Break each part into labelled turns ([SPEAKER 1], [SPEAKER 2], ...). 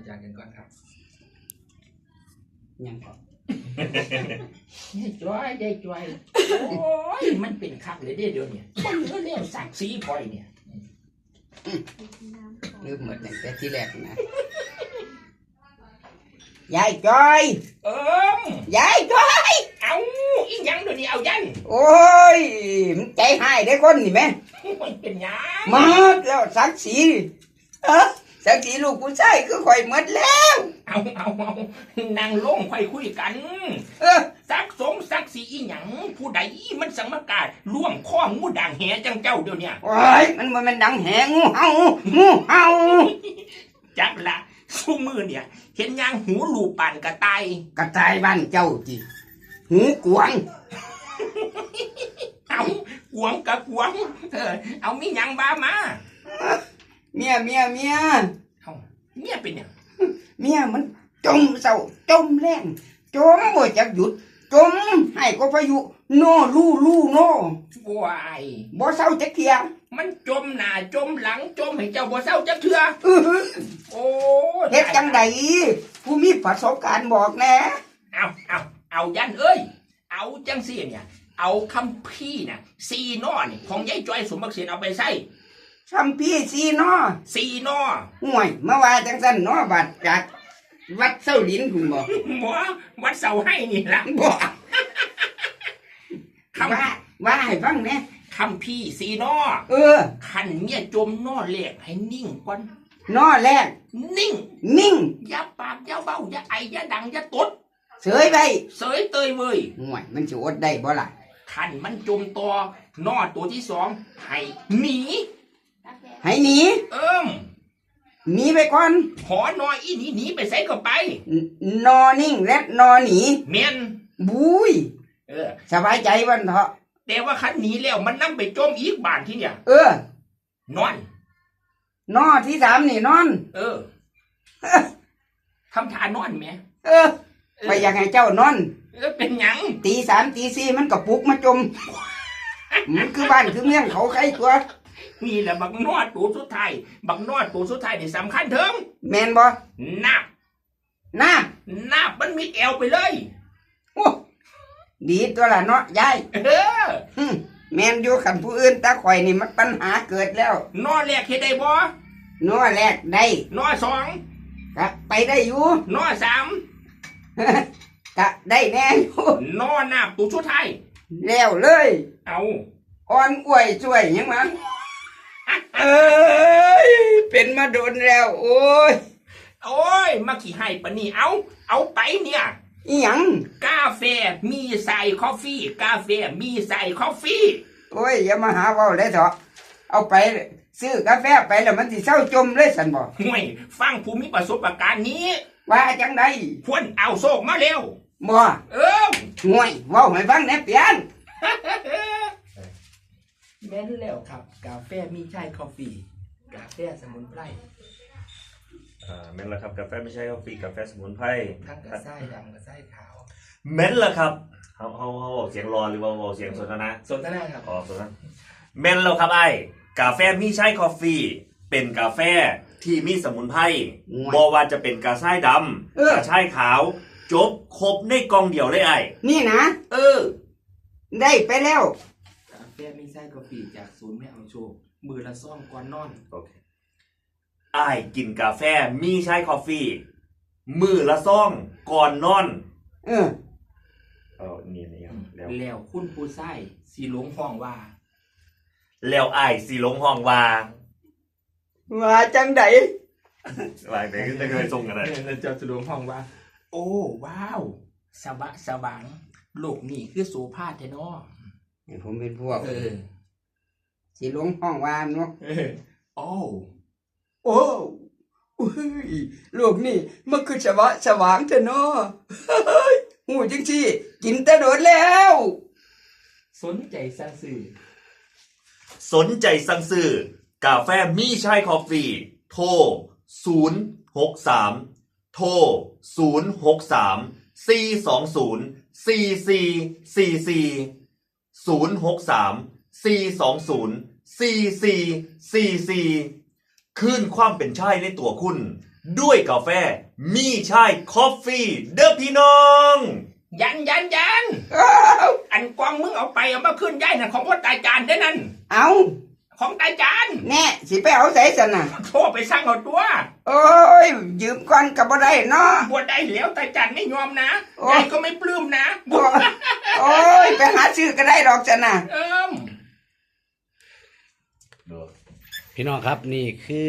[SPEAKER 1] อาจารย์กันก่อนครับ
[SPEAKER 2] ยังก่อน
[SPEAKER 1] ยายจ้อยโอ้ยมันเป็นคักเลยเดี๋ยวนี้คนเรื่องสักสีพลอยเนี่ย
[SPEAKER 2] ลืมหมดตั้งแต่ที่แรกนะยายจอย ยายจอย
[SPEAKER 1] เอาอีหยังเดี๋ยวนี้เอายัน
[SPEAKER 2] โอ้ยมันใจหายได้คนนี่แม่
[SPEAKER 1] มันเป็นหยัง
[SPEAKER 2] มาแล้วสักสีสักสีลูกผู้ชายคือข่อยหมดแล้ว
[SPEAKER 1] เอานางลงคุยกันสักสงสักสีอีหยังผู้ใดมันสังมากาล่วงข้องูด่างแหจังเจ้าเดี๋ยวนี้
[SPEAKER 2] โอ้ยมันดังแหงูเห่า
[SPEAKER 1] จักละสู้มือเนี่ยเห็นยางหูลูปานกระต่าย
[SPEAKER 2] บ้านเจ้าจีหูกวาง
[SPEAKER 1] เอากวงกับกวงเอามีหยังบ้ามา
[SPEAKER 2] เมียเอาเมี
[SPEAKER 1] ยเป็นยัง
[SPEAKER 2] เมียมันจมเศร้าจมแรงจมบ่จักหยุดจมให้ก็พายุโน่ลู่โน่
[SPEAKER 1] วาย
[SPEAKER 2] บ่เศร้าจักเทีย
[SPEAKER 1] มันจมหน้าจมหลังจมให้เจ้าบ่เศร้าจักเทื่อโอ้
[SPEAKER 2] เฮ็ดจังไดผู้มีประสบการณ์บอกแน่
[SPEAKER 1] เอายันเอ้ยเอาจังซี่เนี่ยเอาคำพี่น่ะซีนอนี่ของยายจ้อยสมบักเสียนเอาไปใส่
[SPEAKER 2] คำพี่ซีนอห่วยมาว่าจังซั่นเนาะบัดจากวัดเส้าลิ้นคุณบ่
[SPEAKER 1] วัดเสาให้นี่ล่ะ
[SPEAKER 2] บ่ว่าให้ฟังแน่
[SPEAKER 1] คำพี่ซีนอขันเมียจมนอแรกให้นิ่งก่อน
[SPEAKER 2] นอแรก
[SPEAKER 1] นิ่งอย่าปากอย่าเบ้าอย่าไออย่าดังอย่าตด
[SPEAKER 2] เสยไป
[SPEAKER 1] เสยเตยเว้ย
[SPEAKER 2] ห่วยมันสิอดได้บ่ล่ะ
[SPEAKER 1] ขันมันจมตัวนอตัวที่สองให้หนี
[SPEAKER 2] หนีไปก่อน
[SPEAKER 1] ขอนออีหนีไปใส่ก็ไป
[SPEAKER 2] นอนิ่งและนอหนี
[SPEAKER 1] เมียน
[SPEAKER 2] บุ้ยสบายใจวันเถาะ
[SPEAKER 1] แต่ว่าขันหนีแล้วมันนั่งไปจมอีกบานที่เนี่ยนอน
[SPEAKER 2] นอที่สามนี่นอน
[SPEAKER 1] ทำทานอนไหม
[SPEAKER 2] ไปอยากให้เจ้านอน
[SPEAKER 1] เป็นหยัง
[SPEAKER 2] ตีสามตีสี่มันก็ปลุกมาจมมันคือบ้านคือเมืองเขาใครตัว
[SPEAKER 1] นี่แหละบักนอดตัวสุดท้ายนี่สำคัญเถิง
[SPEAKER 2] แมนบ่
[SPEAKER 1] นาบมันมีแอวไปเลย
[SPEAKER 2] โอ้ดีตัวละเนาะยายแมนอยู่ขันผู้อื่นตาข่อยนี่มันปัญหาเกิดแล้ว
[SPEAKER 1] นอแรกเฮ็ดได้บ่
[SPEAKER 2] นอแรกได้
[SPEAKER 1] นอสอง
[SPEAKER 2] ก็ไปได้อยู่
[SPEAKER 1] นอสาม
[SPEAKER 2] ก็ได้แน่อยู่
[SPEAKER 1] นอนาบตัวสุดท้าย
[SPEAKER 2] แล้วเลย
[SPEAKER 1] เอา
[SPEAKER 2] อ่อนอวยช่วยยังมันเป็นมาโดนแล้วโอ้
[SPEAKER 1] ยมาขี่ให้ปะนี่เอาไปเนี่ย
[SPEAKER 2] อีหยัง
[SPEAKER 1] กาแฟมีใส่คอฟฟี่
[SPEAKER 2] โอ้ยอย่ามาหาเว้าเลยเถอะเอาไปซื้อกาแฟไปแล้วมันสิเศร้าจมเลยสันบ่
[SPEAKER 1] ห่วยฟังผู้มีประสบการณ์นี้
[SPEAKER 2] ว่าจังได
[SPEAKER 1] ควรเอาโศกมาเร็ว
[SPEAKER 2] บ่ห่วยเว้าให้ฟังแหน่เปียน
[SPEAKER 1] แม่นแล้วครับกาแฟมีใช่คอฟฟี่กาแฟสมุนไพร
[SPEAKER 3] แม่นแล้วครับกาแฟไม่ใช่กาแฟกาแฟสมุนไพร
[SPEAKER 1] ทั้งกระไส้ดำกระไส้ขาว
[SPEAKER 3] แม่นแล้วครับเขาเสียงรอหรือว่าเสียงสนทนา
[SPEAKER 1] ครับ
[SPEAKER 3] สนทนาแม่นแล้วครับไอ้กาแฟมีใช่กาแฟเป็นกาแฟที่มีสมุนไพรบ่ว่าจะเป็นกระไส้ดำกระไส้ขาวจบครบในกล่องเดียวเลยไอ้
[SPEAKER 2] นี่นะได้ไปแล้ว
[SPEAKER 1] กาแฟมีไส้กาแฟจากศูนย์แม่เอาโชคมือละซ่อมก่อนนอน
[SPEAKER 3] โอเคไอ้กินกาแฟมีใช้กาแฟมือละซ่องก่อนนอนนี่
[SPEAKER 1] แล้วคุณผู้ใส่สีหลงห้องว่า
[SPEAKER 3] แล้วไอ้สีหลงห้องว่า
[SPEAKER 2] จังได
[SPEAKER 3] ว่าไหนก็จะเคยส่งกันเลย
[SPEAKER 1] เจ้าสีหลงห้องว่าโอ้ว้าวสว่างโลกนี่คือโสภาแท้เนาะ
[SPEAKER 2] ผมเป็นพวกสีหลงห้องว่าเนาะ
[SPEAKER 1] โอ้
[SPEAKER 2] ลูกนี่มันคือสว่างเถอะเนาะหูจังซี่กินแต่โดดแล้ว
[SPEAKER 1] สนใจสั่ง
[SPEAKER 3] ซื้อกาแฟมีใช่คอฟฟี่โทร063โทร063 420 4444 063 420 4444คลื่นความเป็นชายในตัวคุณด้วยกาแฟมีชายคอฟฟี่เด้อพี่น้อง
[SPEAKER 1] ยันอันกวางมึงเอาไปเอามาขึ้นย้ายนั่นของพ่อตาจานเด้อนั่น
[SPEAKER 2] เอา
[SPEAKER 1] ของตาจาน
[SPEAKER 2] แน่สิไปเอาใส่ซั่นน่ะ
[SPEAKER 1] โทรไปสั่งเอาตัว
[SPEAKER 2] โอ้ยยืมก่อนก็บ่ได้เนาะ
[SPEAKER 1] บวชได้แล้วตาจานไม่ยอมนะ
[SPEAKER 2] โอ้
[SPEAKER 1] ยายก็ไม่ปลื้มนะ
[SPEAKER 2] โอ้ยไปหาซื้อก็ได้ดอกซั่นน่ะ
[SPEAKER 1] ม
[SPEAKER 4] พี่น้องครับนี่คือ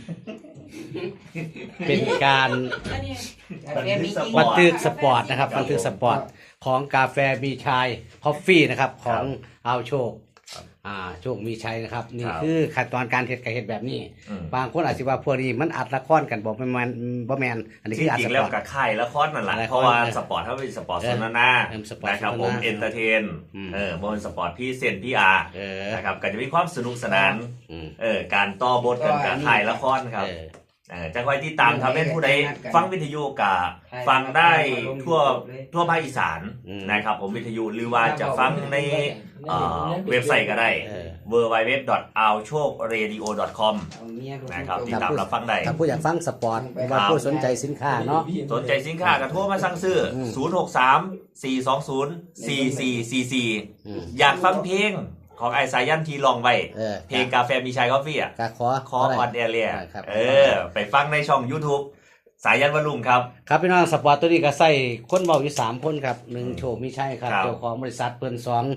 [SPEAKER 4] เป็นการบันทึกสปอร์ตนะครับบันทึกสปอร์ตของกาแฟมีชัยคอฟฟี่นะครับของเอาโชคโชคมีชัยนะครับนี่คือขั้นตอนการเฮ็ดกับเฮ็ดแบบนี้ บางคนอาจจะว่าพวกนี้มันอัดละครกันบอกบ่แม่นอันนี้
[SPEAKER 3] จ
[SPEAKER 4] คืออัด
[SPEAKER 3] ริ
[SPEAKER 4] ส
[SPEAKER 3] งๆ
[SPEAKER 4] ป
[SPEAKER 3] แล้ว
[SPEAKER 4] อร์ต
[SPEAKER 3] กับค่ายละครนั่นแหละ
[SPEAKER 4] ละคร
[SPEAKER 3] เพราะว่าสปอร์ตเขาเป็นสปอร์ตสนทนา
[SPEAKER 4] สปอร์ต
[SPEAKER 3] นะครับ
[SPEAKER 4] สนทนา
[SPEAKER 3] ผมเอนเตอร์เทน
[SPEAKER 4] อืม
[SPEAKER 3] บนสปอร์ตพี่เซนพี่อาร์ นะครับก็จะมีความสนุกสนาน การต่อบทกันการถ่ายละครครับจะคอยที่ตามทำให้ผู้ใดฟังวิทยุกะฟังได้ทั่วภาคอีสานนะครับผมวิทยุหรือว่าจะฟังในเว็บไซต์ก็ได้ www.alchokradio.com นะครับที่ตามรับฟังได้
[SPEAKER 4] ถ้าผู้อยากฟังสปอร์ตว่าผู้สนใจสินค้าเนาะ
[SPEAKER 3] สนใจสินค้าก็โทรมาสั่งซื้อ 063-420-4444 อยากฟังเพลงของไอสายันทีลองไว้เพลงกาแฟมีชัยคอฟฟี่อ่ะ
[SPEAKER 4] ก็
[SPEAKER 3] คอ
[SPEAKER 4] ขอ
[SPEAKER 3] ออนแอร์เรีย
[SPEAKER 4] ครับ
[SPEAKER 3] ไปฟังในช่อง YouTube สายันวลุงครับ
[SPEAKER 4] ครับพี่น้องสปอร์ตตัวนี้ก็ใส่คนเว้าอยู่3คนครับ1โชคมีชัยครับ
[SPEAKER 3] ครับ
[SPEAKER 4] เจ้าของบริษัทเพิ่น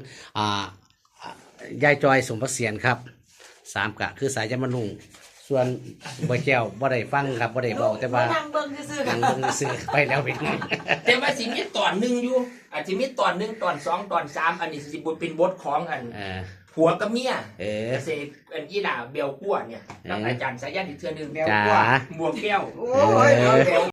[SPEAKER 4] 2ยายจอยสมประเสียนครับ3ก็คือสายยันมะลุงส่วนบ่แก้วบ่ได้ฟังครับบ่ได้เว้าแต่ว่า
[SPEAKER 5] นั่งเบิ่งซื่อๆ
[SPEAKER 4] นั่งเบิ่งซื่อไปแล้วเป็นไง
[SPEAKER 1] แต่ว่าสิมีตอนหนึ่งอยู่อาจจะมีตอนหนึ่งตอนสองตอนสามอันนี้สิบทเป็นบทของอันผัวกับเมียเกษตรอันอีหล่าเบลกั้วเนี่ยกับอาจารย์สายันอีกเทื่อนึง
[SPEAKER 4] จ้า
[SPEAKER 1] บวกแก้ว
[SPEAKER 2] โอ้ย